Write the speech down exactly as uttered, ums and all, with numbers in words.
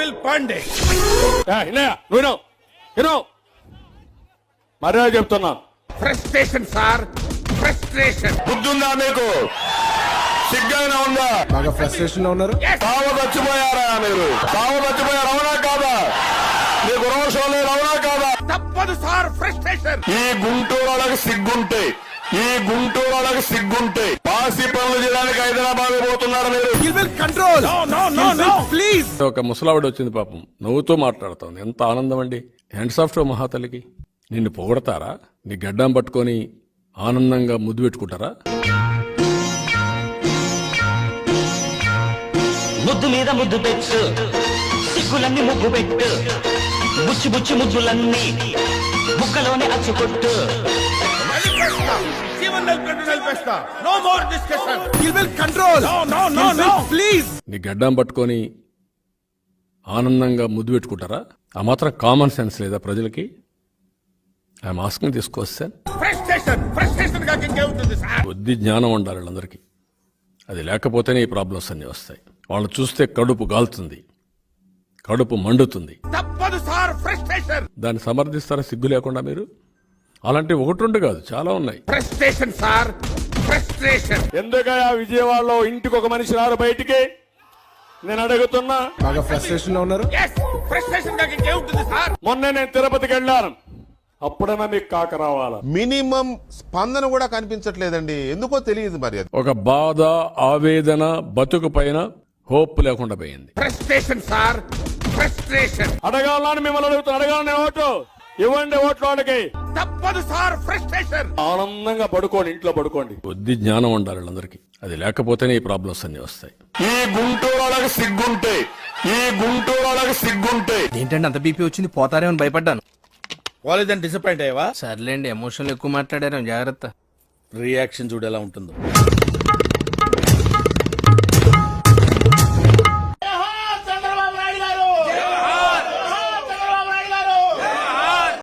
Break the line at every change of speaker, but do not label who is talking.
నిఖిల్ పాండే.
మర్యాద చెప్తున్నా.
Frustration sir, frustration.
బుద్ధుందా మీకు? సిగ్గైనా ఉందా?
బాగా ఫ్రస్ట్రేషన్ లో ఉన్నారు.
తావు చచ్చిపోయారా మీరు? తావు చచ్చిపోయారు, అవునా కాదా? మీకు రోషం లేదు, అవునా కాదా?
తప్పదు సార్, ఫ్రస్ట్రేషన్.
ఈ గుంటూరు వాళ్ళకి సిగ్గుంటే, ఈ గుంటూరు వాళ్ళకి సిగ్గుంటే పాసి పనులు చేయడానికి హైదరాబాద్ పోతున్నారు మీరు.
కంట్రోల్.
ప్లీజ్. ఒక ముసలావిడ వచ్చింది పాపం, నవ్వుతూ మాట్లాడుతోంది. ఎంత ఆనందం అండి. హ్యాండ్స్ ఆఫ్ టు మహాతలికి. నిన్ను పొగడతారా? నీ గడ్డం పట్టుకొని ఆనందంగా ముద్దు పెట్టుకుంటారా?
ముద్దు మీద ముద్దు పెట్టు, సిగ్గులన్నీ ముగ్గు పెట్టు, బుచ్చి బుచ్చి ముద్దులన్నీ ముక్కలోనే అచ్చుకొట్టు.
జీవన్ నిలబెట్టు, నిలబెట్టా. No more discussion.
Control.
Please. నీ గడ్డం పట్టుకొని ఆనందంగా ముద్దు పెట్టుకుంటారా? ఆ మాత్రం కామన్ సెన్స్ లేదా ప్రజలకి? I'm asking this question.
Frustration, frustration గా ఇంకేముంటుంది సార్?
బుద్ధి జ్ఞానం ఉండాలి వాళ్ళందరికీ. అది లేకపోతేనే ఈ ప్రాబ్లమ్స్ అన్నీ వస్తాయి. వాళ్ళు చూస్తే కడుపు గాలుతుంది, కడుపు మండుతుంది.
తప్పదు సార్, ఫ్రస్ట్రేషన్.
దాన్ని సమర్థిస్తారా సిగ్గు లేకుండా మీరు? అలాంటి ఒకటి రెండు కాదు, చాలా ఉన్నాయి.
Frustration sir, frustration.
ఎందుకయ్యా విజయవాడలో ఇంటికి ఒక మనిషి రారు బయటికి? నేను అడుగుతున్నా.
బాగా ఫ్రస్ట్రేషన్ లో ఉన్నారు.
ఫ్రస్ట్రేషన్ గా ఇంకేముంటుంది సార్?
మొన్న నేను తిరుపతికి వెళ్ళాను, అప్పుడైనా మీకు కాక రావాలా?
మినిమం స్పందన కూడా కనిపించట్లేదండి, ఎందుకో తెలియదు మరి. అది
ఒక బాధ, ఆవేదన, బతుకు పైన హోప్ లేకుండా పోయింది.
Frustration sir, frustration.
అడగాలని మిమ్మల్ని అడుగుతున్నా, అడగాలని ఓటు ఇవ్వండి, ఓట్లు వాళ్ళకి.
తప్పదు సార్, ఫ్రస్ట్రేషన్.
ఆనందంగా పడుకోండి, ఇంట్లో పడుకోండి. బుద్ధి జ్ఞానం ఉండాలి వాళ్ళందరికీ. అది లేకపోతేనే ఈ ప్రాబ్లమ్స్ అన్ని వస్తాయి. ఈ గుంటూరు వాళ్ళకి సిగ్గుంటే, ఈ గుంటూరు వాళ్ళకి సిగ్గుంటే.
ఏంటంటే అంత బీపీ వచ్చింది, పోతారేమని భయపడ్డాను.
వాళ్ళదని డిసప్పాయింట్ అయ్యావా?
సర్లేండి, ఎమోషన్లు ఎక్కువ మాట్లాడారు, జాగ్రత్త.
రియాక్షన్ చూడు ఎలా ఉంటుందో.